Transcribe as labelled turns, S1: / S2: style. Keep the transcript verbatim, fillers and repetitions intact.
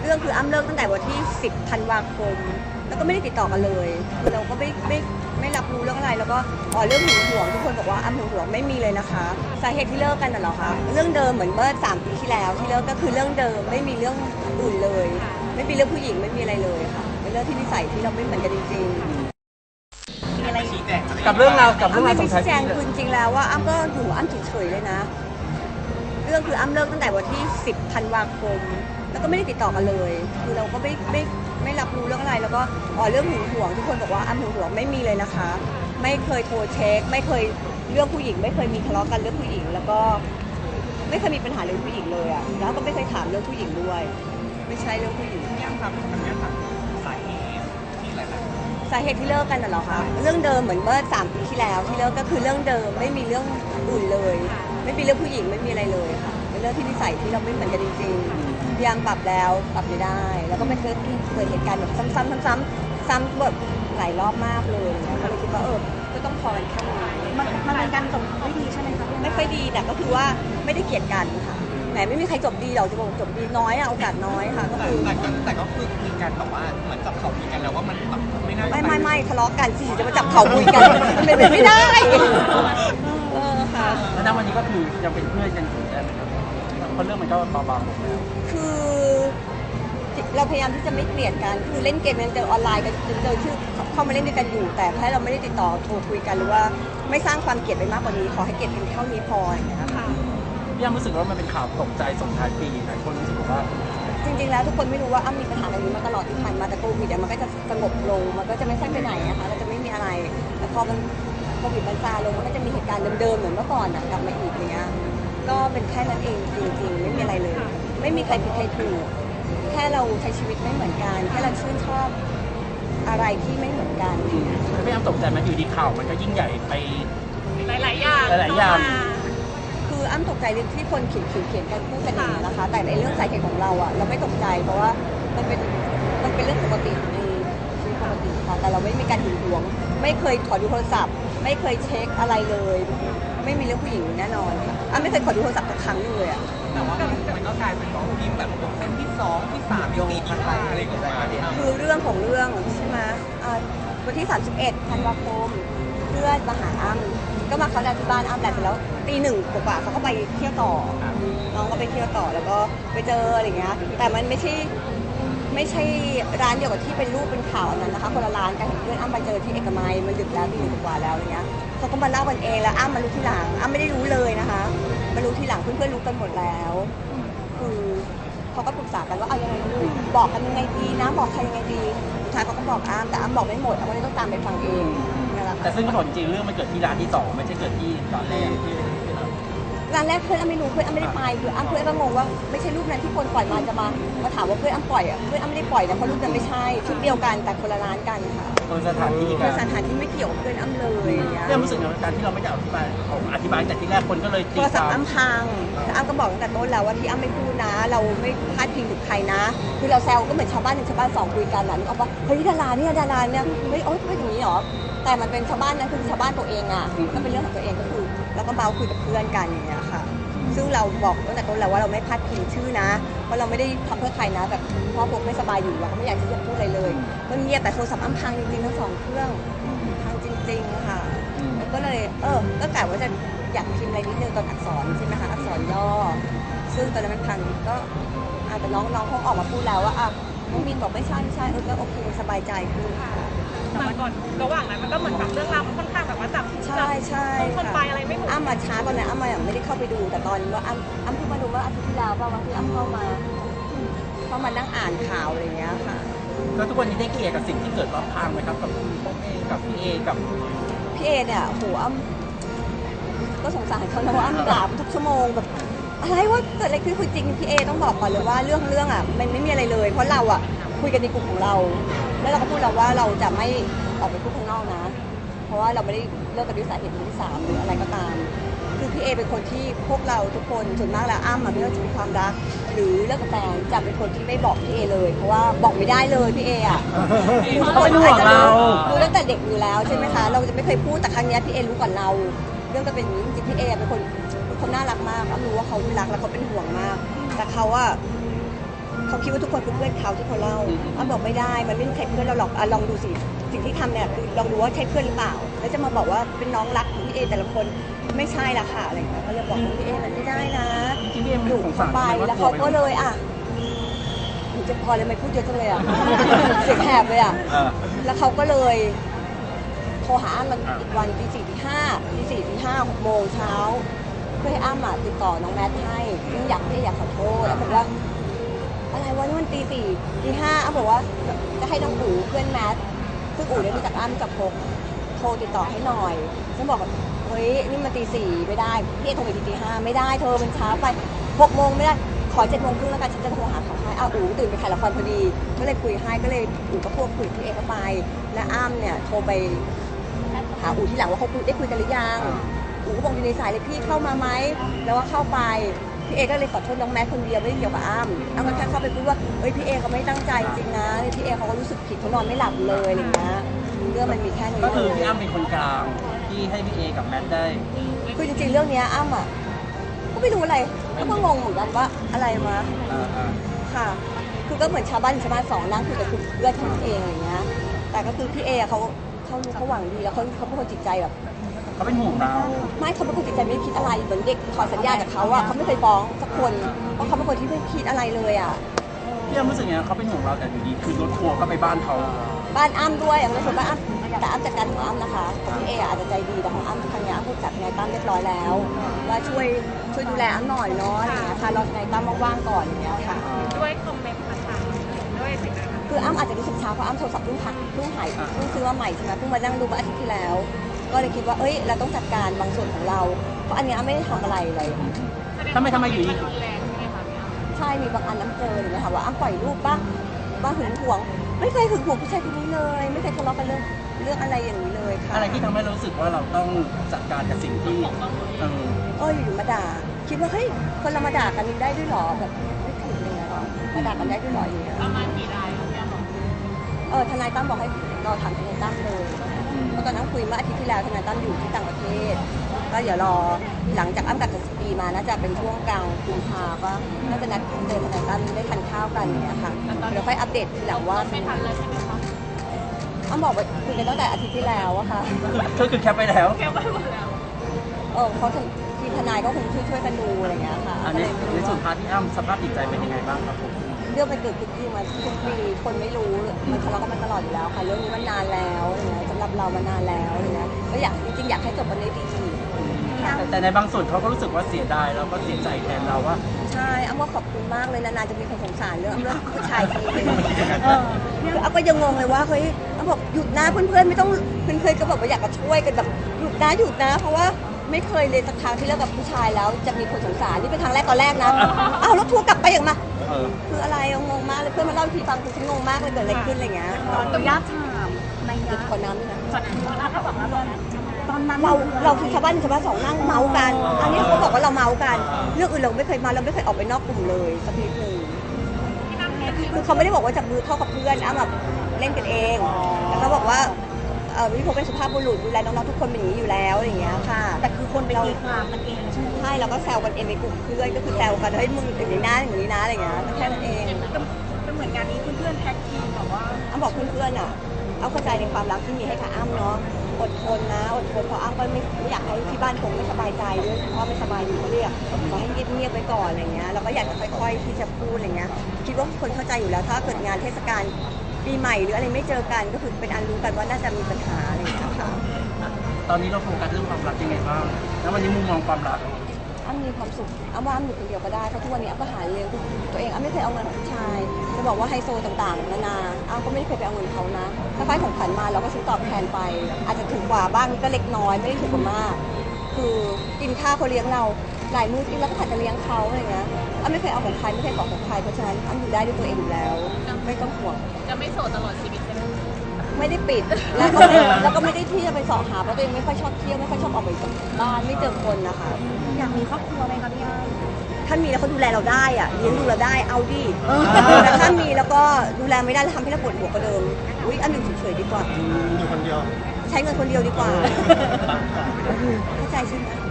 S1: รื่องคืออ้ำเลิกตั้งแต่วันที่สิบธันวาคมแล้วก็ไม่ได้ติดต่อกันเลยคือเราก็ไม่ไม่ไม่รับรู้เรื่องอะไรแล้วก็อ๋อเรื่องหึงหวงทุกคนบอกว่าอ้ำหึงหวงไม่มีเลยนะคะสาเหตุที่เลิกกันน่ะเหรอคะเรื่องเดิมเหมือนเมื่อสามปีที่แล้วที่เลิกก็คือเรื่องเดิมไม่มีเรื่องอื่นเลยไม่มีเรื่องผู้หญิงไม่มีอะไรเลยค่ะเป็นเรื่องที่นิสัยที่เราไม่เหมือนกันจริงๆมีอะไร
S2: กับเรื่องราวกับเรื่องราวส
S1: อ้ำ
S2: อง
S1: ไม่
S2: ท้าย
S1: ชี้แจ
S2: ปี
S1: งคือจริงๆแล้วว่าอ้ำก็อยู่อ้ำเฉยๆเลยนะเรื่องคืออ้ำเลิกตั้งแต่วันที่สิบธันวาคมแล้วก็ไม่ได้ติดต่อกันเลยคือเราก็ไม่ไม่ไม่รับรู้เรื่องอะไรแล้วก็อ๋อเรื่องหึงหวงทุกคนบอกว่าอ้ำหึงหวงไม่มีเลยนะคะไม่เคยโทรเช็คไม่เคยเรื่องผู้หญิงไม่เคยมีทะเลาะกันเรื่องผู้หญิงแล้วก็ไม่เคยมีปัญหาเรื่องผู้หญิงเลยอะแล้วก็ไม่เคยถามเรื่องผู้หญิงด้วยไม่ใช่เรื่องผู้หญิง
S3: ยังครับอันนี้ครับสาเหตุที่หลายๆ
S1: สาเหตุที่เลิกกันน่ะเหรอคะเรื่องเดิมเหมือนเมื่อสามปีที่แล้วที่เลิกก็คือเรื่องเดิมไม่มีเรื่องอื่นเลย ไม่มีเรื่องผู้หญิงไม่มีอะไรเลยค่ะเป็นเรื่องที่นิสัยที่เราไม่เหมือนกันจริงๆพยายามปรับแล้วปรับไม่ได้ แล้วก็ไม่เคยเกิดเหตุการณ์แบบซ้ำๆซ้ำๆซ้ำแบบหลายรอบมากเลยก็เลยคิดว่าเออก็ต้องพอกันแค่นี้
S4: มันมันเป็นการจบไม่ดีใช่ไหมคะ
S1: ไม่ค่อยดีแต่ก็คือว่าไม่ได้เกลียดกันค่ะแหมไม่มีใครจบดีหรอกจะบอกจบดีน้อยอะโอกาสน้อยค่ะก็
S3: แต่
S1: คือ
S3: แต่ก็แต่ก็คือคุยกันแต่ว่าเหมือนจับเขาคุยกันแล้วว่ามันแบบไม่น่าจะ
S1: ไม่ไม่ไม่ทะเลาะกันสิจะมาจับเขาคุยกันมันเป็นไปไม่ได้เออค่ะ
S2: แล้วณวันนี้ก็คือยังเป็นเพื่อนกันอยู่ได้ไหมครับเพราะเรื่องมันก็เบาๆลงแล้ว
S1: คือเราพยายามที่จะไม่เกลียดกันคือเล่นเกมยังเจอออนไลน์กันเจอชื่อเข้ามาเล่นด้วยกันอยู่ แต่แค่เราไม่ได้ติดต่อโทรคุยกันหรือว่าไม่สร้างความเกลียดไปมากกว่านี้ขอให้เกลียดกันเท่านี้พออย่างเงี้ยค่ะ
S2: พี่ยังรู้สึกว่ามันเป็นข่าวตกใจส่งท้ายปีหลายคนรู้สึกว่า
S1: จริงๆแล้วทุกคนไม่รู้ว่าอ้ำมีปัญหาตรงนี้มาตลอดที่ผ่านมาแต่โควิดอะมันก็จะสงบลงมันก็จะไม่ใช่ไปไหนนะคะเราจะไม่มีอะไรแต่พอมันโควิดมันซาลงมันก็จะมีเหตุการณ์เดิมๆเหมือนเมื่อก่อนอะกลับมาอีกอย่างเงี้ยก็เป็นแค่นั้นเองจริงๆไม่มีอะไรเลย ไม่มีใครผิดใครถูกแค่เราใช้ชีวิตไม่เหมือนกันแค่เราชื่นชอบอะไรที่ไม่เหมือนกัน
S2: พี่ยังตกใจมันอยู่ดีข่าวมันก็ยิ่งใหญ่ไป
S4: หลายๆอย่าง
S2: หลายๆอย่าง
S1: คืออ้ำตกใจเรื่องที่คนเขียนเขียนเขียนกันพูดกันอย่างนี้ยนะคะ แต่ในเรื่องสาเหตุของเราอะเราไม่ตกใจเพราะว่ามันเป็นมันเป็นเรื่องปกติในชีวิตปกติค่ะแต่เราไม่มีการหึงหวง ไม่เคยขอดูโทรศัพท์ ไม่เคยเช็คอะไรเลย ไม่มีเรื่องผู้หญิงแน่นอนค่ะอ้ำไม่เคยขอดูโทรศัพท์สักครั้งหนึงเลยอะ
S3: แต่ว่ามันก็กลายเป็นว่าทีมแบบคนที่สองที่สามโยงอีกอะไรอะไรอย่างเงี้ยพี่อ้ำ
S1: คือเรื่องของเรื่องใช่ไหมอ่าวันที่ สามสิบเอ็ดธันวาคมเพื่อนมาหาอ้ำก็มาเขาน์ดาวน์ที่บ้านอ้ำแหละเสร็จแล้วตีหนึ่งกว่าๆเขาก็ไปเที่ยวต่อน้องก็ไปเที่ยวต่อแล้วก็ไปเจออะไรเงี้ยแต่มันไม่ใช่ไม่ใช่ร้านเดียวกับที่เป็นรูปเป็นข่าวอันนั้นนะคะคนละร้านกันเพื่อนอ้ำไปเจอที่เอกมัยมันดึกแล้วตีหนึ่งกว่าแล้วอะไรเงี้ยเขาก็มาเล่ากันเองแล้วอ้ำมารู้ทีหลังอ้ำไม่ได้รู้เลยนะคะมารู้ทีหลังเพื่อนๆรู้กันหมดแล้วคือเขาก็ปรึกษากันว่าเอายังไงดีบอกกันยังไงดีนะบอกใครยังไงดีสุดท้ายเขาก็บอกอ้ำแต่อ้ำบอกไม่หมดอ้ำก็เลยต้องตามไปฟังเองนั่นแหละค่ะ
S2: แต่ซึ่งก็บอกจริงๆเรื่องมันเกิดที่ร้านที่สองไม่ใช่เกิดที่ตอนแรกที่
S1: ร้านแรกเพื่อนอ้ำไม่รู้เพื่อนอ้ำไม่ได้ไปคืออ้ำเพื่อนก็งงว่าไม่ใช่รูปนั้นที่คนปล่อยมาจะมามาถามว่าเพื่อนอ้ำปล่อยอ่ะเพื่อนอ้ำไม่ได้ปล่อยนะเพราะรูปนั้นไม่ใช่ชุดเดียวกันแต่คนละร้านกันค่ะ
S2: คนสถานที่กั
S1: คื
S2: น
S1: อสถานที่ไม่เกี่ยวกับเพื่อนอ้ำเลยอย่างเงี้ย
S2: พี่ยังรู้สึกในการที่เราไม่ได้อธิบายของอธิบายแต่ที่แรกคนก็เลย
S1: โท
S2: ตี
S1: รศัพ
S2: ควา
S1: ท์
S2: ม
S1: อ้ำพังแต่อ้ำก็บอกตั้งแต่ต้นแล้วว่าที่อ้ำไม่พูดนะ เราไม่พลาดพิงถึงใครนะ คือเราแซวก็เหมือนชาวบ้านหนึ่งชาวบ้านสองคุยกันแหละนึกออกปะเฮ้ยดาราเนี่ยดาราเนี่ยเฮ้ยโอ๊ยเป็นอย่างนี้เหรอแต่มันเป็นชาวบ้านนั้นคือชาวบ้านตัวเองอ่ะก็เป็นเรื่องของตัวเองก็คือแล้วก็เมาคุยกับเพื่อนกันอย่างเงี้ยค่ะ ซึ่งเราบอกตั้งแต่ต้นแล้วว่าเราไม่พลาดพิงชื่อนะว่าเราไม่ได้ทำเพื่อใครนะแบบพ่อพวกไม่สบายอยู่เราก็ไม่อยากที่จะพูดอะไรเลยก็เงียบแต่โทรศัพท์อ้ำพังจริงๆทั้งสองเครื่องพังจริงๆค่ะแล้วก็เลยเออก็กะว่าจะอยากพิมพ์อะไรนิดนึงตอนอักษรใช่ไหมคะอักษรย่อซึ่งตอนนั้นมันพังก็อาจจะน้องน้องเขาออกมาพูดแล้วว่าอ่ะน้องมินบอกไม่ใช่ไม่ใช่เออก็โอเคสบายใจขึ้น
S4: แต่ก่อนระหว่างนั้นมันก็เหมือนแบบเรื่องราวมันค่อนข้างแบบว่าจับ
S1: ใช่ใช่
S4: คน
S1: ค่ะ
S4: ไปอะไรไม่ถูก
S1: อ้ำมาช้าตอนนั้นอ้ำมาอย่างไม่ได้เข้าไปดูแต่ตอนว่าอ้ำอ้ำเพิ่งมาดูว่าอาทิตย์ที่แล้วป่ะวันที่อ้ำเข้ามาเข้ามานั่งอ่านข่าวอะไรอย่างเงี้ยค่ะ
S2: แล้วทุกวันนี้ได้เคลียร์กับสิ่งที่เกิดรอบข้างไหมครับกับคุณพ่อเอกับพี่เอกับ
S1: พี่เอเนี่ยโหอ้ำก็สงสารเขานะว่าอ้ำด่าทุกชั่วโมงแบบอะไรว่าเกิดอะไรขึ้นคือจริงพี่เอต้องบอกก่อนเลยว่าเรื่องเรื่องอ่ะมันไม่มีอะไรเลย เพราะเราอ่ะคุยกันในกลุ่มของเรา แล้วเราก็พูดแล้วว่าเราจะไม่ออกไปพูดข้างนอกนะ เพราะว่าเราไม่ได้เลิกกันด้วยสาเหตุมือที่สามหรืออะไรก็ตาม คือพี่เอเป็นคนที่พวกเราทุกคนส่วนมากแล้วอ้ำอะไม่ว่าจะมีความรัก หรือเลิกกับแฟนจะเป็นคนที่ไม่บอกพี่เอเลย เพราะว่าบอกไม่ได้เลยพี่เออะ
S2: เขาเป็นห่วงเรา
S1: รู้ตั้งแต่เด็กอยู่แล้วใช่ไหมคะเราจะไม่เคยพูดแต่ครั้งเนี้ยพี่เอรู้ก่อนเรา เรื่องก็เป็นอย่างนี้จริงๆพี่เอเป็นคนเป็นคนน่ารักมากอ้ำรู้ว่าเขารักและเขาเป็นห่วงมาก แต่เขาอะเขาคิดว่าทุกคนคือเพื่อนเขาที่เขาเล่าอ้ำบอกไม่ได้มันไม่ใช่เพื่อนเราหรอกอ่ะลองดูสิสิ่งที่ทำเนี่ยคือลองดูว่าใช่เพื่อนหรือเปล่าแล้วจะมาบอกว่าเป็นน้องรักของพี่เอแต่ละคนไม่ใช่ละค่ะอะไรอย่างเงี้ยเขาเลยบอกว่าพี่เอมันไม่ได้นะ
S2: จริงๆพี่เอ็ม
S1: ดุ
S2: สง
S1: เข้า
S2: สาร
S1: ไป
S2: ไหม
S1: แล้ว
S2: ก
S1: เขา
S2: ไป
S1: ก็เลยอ่ะหนูจะพอเลยไม่พูดเยอะจังเลยอ่ะ เสียงแหบเลยอ่ะ
S2: เออ
S1: แล้วเขาก็เลยโทรหาอ้ำมันอีกวันตีสี่ตีห้าตีสี่ตีห้าหกโมงเช้าเพื่อให้อ้ำอ่ะติดต่อน้องแมทให้ซึ่งอยากให้อยากขอโทษแล้วบอกว่าอะไรวะนี่มันตีสี่ตีห้าอ้ำบอกว่าจะให้น้องอู๋เพื่อนแมทซึ่งอู๋เนี่ยรู้จักอ้ำจากพกโทรติดต่อให้หน่อยฉันบอกว่าเฮ้ยนี่มันตีสี่ไม่ได้พี่เอโทรไปทีตีห้าไม่ได้เธอมันช้าไปหกโมงไม่ได้ขอเจ็ดโมงครึ่งแล้วกันฉันจะโทรหาเขาให้อ้าวอู๋ตื่นไปถ่ายละครพอดีก็เลยคุยให้ก็เลยอู๋ก็พูดคุยกับพี่เอเข้าไปและอ้ำเนี่ยโทรไปหาอู๋ที่หลังว่าเขาคุยได้คุยกันหรือยังอู๋ก็บอกอยู่ในสายเลยพี่เข้ามาไหมแล้วว่าเข้าไปพี่เอก็เลยขอโทษน้องแมทคนเดียวไม่ได้เกี่ยวกับอ้ำอ้ำก็แค่เข้าไปพูดว่าเอ้ยพี่เอเขาไม่ตั้งใจจริงนะพี่เอเขาก็รู้สึกผิดเขานอนไม่หลับเลยอะไรอย่างเงี้ยเรื่องมันมีแค่นี้
S2: ก็คือพี่อ้ำเป็นคนกลางที่ให้พี่เอกับแมทได้
S1: คือจริงๆเรื่องเนี้ยอ้ำอ่ะก็ไม่รู้อะไรก็งงเหมือนกันว่าอะไรมา
S2: อ่าอ่า
S1: ค่ะ คือก็เหมือนชาวบ้านชาวบ้านสองนั่งคุยกับคุณเพื่อนของเองอะไรเงี้ยแต่ก็คือพี่เอเขาเขารู้เขาหวังดีแล้วเขาเขาเป็นคนจิตใจแบบ
S2: เขาเป็นห่วงเรา
S1: ไม่เขาเป็นคนจิตใจไม่ได้คิดอะไรเหมือนเด็กขอสัญญาจากเขาอ่ะเขาไม่เคยฟ้องสักคนเพราะเขาเป็นคนที่ไม่คิดอะไรเลยอ่ะ
S2: พี่อ้ำรู้สึกไงเขาเป็นห่วงเราแต่อยู่ดีคือรถทัวร์ก็ไปบ้านเขา
S1: บ้านอ้ำด้วยอย่างในส่วนบ้านอ้ำแต่อ้ำจัดการของอ้ำนะคะของพี่เออาจจะใจดีแต่ของอ้ำทางเนี้ยอ้ำพูดกับทนายตั้มเรียบร้อยแล้วว่าช่วยช่วยดูแลอ้ำหน่อยเนาะอะไรเงี้ยค่ะรอทนายตั้มว่างๆก่อนอย่างเงี้ยค่ะ
S4: ด้วยคอมเมนต์ต่างๆด้วยสิ่งต่าง
S1: คืออ้ำอาจจะรู้สึกช้าเพราะอ้ำโทรศัพท์เพิ่งพักเพิ่งหายเพิ่งซื้อมาใหม่ใช่ไหมเพิ่งมานั่งดูเมื่ออาทิตย์ที่แล้ว ก็เลยคิดว่าเอ้ยเราต้องจัดการบางส่วนของเราเพราะอันเนี้ยอ้ำไม่ได้ทำอะไรเลย
S2: ทำไมทำไมอยู่ดี
S4: รุนแรงใช่ไหมคะพี่อ้ำ
S1: ใช่มีบางอันน้ำเจออย่างเงี้ยค่ะว่าอ้ำปล่อยรูปบ้างบ้างหึงหวง ไม่เคยหึงหวงผู้ชายคนนี้เลย ไม่เคยทะเลาะกันเรื่องเรื่องอะไรอย่างนี้เลยค่ะ
S2: อะไรที่ทำให้เรารู้สึกว่าเราต้องจัดการกับสิ่งที่เออ
S1: เอออยู่ๆมาด่าคิดว่าเฮ้ยคนเรามาด่ากันได้ด้วยเหรอแบบไม่ถูกเลยนะมาด่ากันได้ด้วยเหรออย่างเงี้ย
S4: ประมาณกี่รายคะพี่อ้ำบอก
S1: เออทนายตั้มบอกให้เราถามทนายตั้มเลยเพราะตอนนั้นคุยเมื่ออาทิตย์ที่แล้วทนายตั้มอยู่ที่ต่างประเทศก็เดี๋ยวรอหลังจากอ้ำกลับจากสปีมาน่าจะเป็นช่วงกลางกุมภาก็น่าจะนัดเจอทนายตั้มได้ทานข้าวกันอย่างเงี้ยค่ะเดี๋ยวค่อยอัปเดตทีหลังว่า
S4: ไม่ทันเลยใช่ไหมคะ
S1: อ้ำบอกว่าคุยกันตั้งแต่อาทิตย์ที่แล้วอะค่ะ
S2: ก็คือแคปไปแล้ว
S4: แค่ไปหมดแล้ว
S1: เออเขาทีมทนายก็คงช่วยช่วยๆกันดูอะไรอย่างเงี้ยค่ะ
S2: อัน
S1: ก็
S2: นี้
S1: เลยไม่
S2: ใน
S1: รู้
S2: ส่วน
S1: ว่า
S2: พาร์ทที่อ้ำสภาพจิตใจเป็นยังไงบ้างครับผม
S1: เรื่องมันเกิดขึ้นที่มาทุกปีคนไม่รู้มันทะเลาะกันมาตลอดอยู่แล้วค่ะเรื่องนี้มันนานแล้วอะไรเงี้ยสำหรับเรามานานแล้วอะไรเงี้ยก็อยากจริงๆอยากให้จบวันนี้ดี
S2: แต่แต่ในบางส่วนเขาก็รู้สึกว่าเสียดายแล้วก็เสียใจแทนเราว่า
S1: ใช่อ้ำว่าขอบคุณมากเลยนานๆจะมีคนสงสารเรื่องเรื่องผู้ชายทีนึงคืออ้ำก็ยังงงเลยว่าเฮ้ยอ้ำบอกหยุดนะเพื่อนๆไม่ต้องเพื่อนๆก็แบบว่าอยากจะช่วยกันแบบหยุดนะหยุดนะ เพราะว่าไม่เคยเลยสักครั้งที่เลิกกับผู้ชายแล้วจะมีคนสงสารนี่เป็นครั้งแรกตอนแรกนะอ้าวแล้วทัวร์กลับไปอย่างมา
S2: เออ
S1: คืออะไรงงมากเลยเพื่อนมาเล่าให้พี่ฟังคือฉันงงมากเลยเกิดอะไรขึ้นอะไรเงี้ย
S5: ขออนุญาตถามใน
S1: หยุ
S5: ยะ
S1: ดคนน้ำด้วยนะ
S5: ตอนนั้นถ้าบอกว่าตอนนั้น
S1: เราเราคือชาวบ้านชาวบ้านสองนั่งเมาส์กัน อันนี้เขาบอกว่าเราเมาส์กัน เรื่องอื่นเราไม่เคยเมาเราไม่เคยออกไปนอกกลุ่มเลยสักนิดหนึ่งคือเขาไม่ได้บอกว่าจับมือเข้ากับเพื่อนอ้ำแบบเล่นกันเองแต่เขาบอกว่าเออวิพงเป็นสุภาพบุรุษดูแลน้องๆทุกคนเป็นอย่างนี้อยู่แล้วอะไรอย่างเงี้ยค่ะ
S5: แต่คือคนไปตีความมันเองใช่ไหม
S1: ใช่เราก็แซวกันเองในกลุ่มเพื่อนก็คือแซวกันเฮ้ยมึงอย่างนี้นะอย่างนี้นะอะไรอย่างเงี้ยก็แค่นั้นเอง
S5: ก็เหมือนงานนี้เพื่อนๆแท็กทีมแบบว่า
S1: อ้ำบอกเพื่อนๆอ่ะเอาเข้าใจในความรักที่มีให้กับอ้ำเนาะอดทนนะอดทนเพราะอ้ำก็ไม่ไม่อยากให้ที่บ้านคงไม่สบายใจด้วยเพราะไม่สบายอยู่ก็เรียกขอให้เงียบๆไว้ก่อนอะไรเงี้ยเราก็อยากจะค่อยๆที่จะพูดอะไรเงี้ยคิดว่าคนเข้าใจอยู่แล้วถ้าเกิดงานเทศกาลปีใหม่หรืออะไรไม่เจอกันก็คือเป็นอันรู้กันว่าน่าจะมีปัญหาอะไรอย่างเงี้ยค่ะ
S2: ตอนนี้เราโฟกัสเรื่องความรักยังไงบ้างแล้ววันนี้มุมมองความรัก
S1: อ้ำมีความสุขอ้ำว่าอ้ำอยู่คนเดียวก็ได้เพราะทุกวันนี้อ้ำก็หาเลี้ยงตัวเองอ้ำไม่เคยเอาเงินของผู้ชายจะบอกว่าไฮโซต่างๆนานาอ้ำก็ไม่ได้เคยไปเอาเงินเขานะถ้าฟ้าของขวัญมาเราก็ซื้อตอบแทนไป อาจจะถูกกว่าบ้างก็เล็กน้อยไม่ได้ถูกกว่ามาก คือกินข้าวเขาเลี้ยงเราหลายมื้อที่เราก็ผัดจะเลี้ยงเขาอะไรเงี้ยอ้ำไม่เคยเอาของใครไม่เคยขอของใครเพราะฉะนั้นอ้ำอยู่ได้ด้วยตัวเองอยู่แล้ว ไม่ต้องห่วง
S4: จะไม่โสดตลอดชีวิตใช่ไหม
S1: ไม่ได้ปิดแล้วก็แล้วก็ไม่ได้ที่จะไปเสอบหาเพราะตัวเองไม่ค่อยชอบเที่ยวไม่ค่อยชอบออกไปจากบ้านไม่เจอคนนะคะ
S5: อยากมีครอบครัวไหมคะพี่อ้ำ
S1: ถ้ามีแล้วเขาดูแลเราได้อะเลี้ยงดูเราได้เอาดิแต่ถ้ามีแล้วก็ดูแลไม่ได้แล้วทำให้เราปวดหัวกว่าเดิมอุ้ยอันหนึ่งเฉยๆดีกว่า
S6: อยู่คนเดียว
S1: ใช้เงินคนเดียวดีกว่าเข้าใจใช่ไหม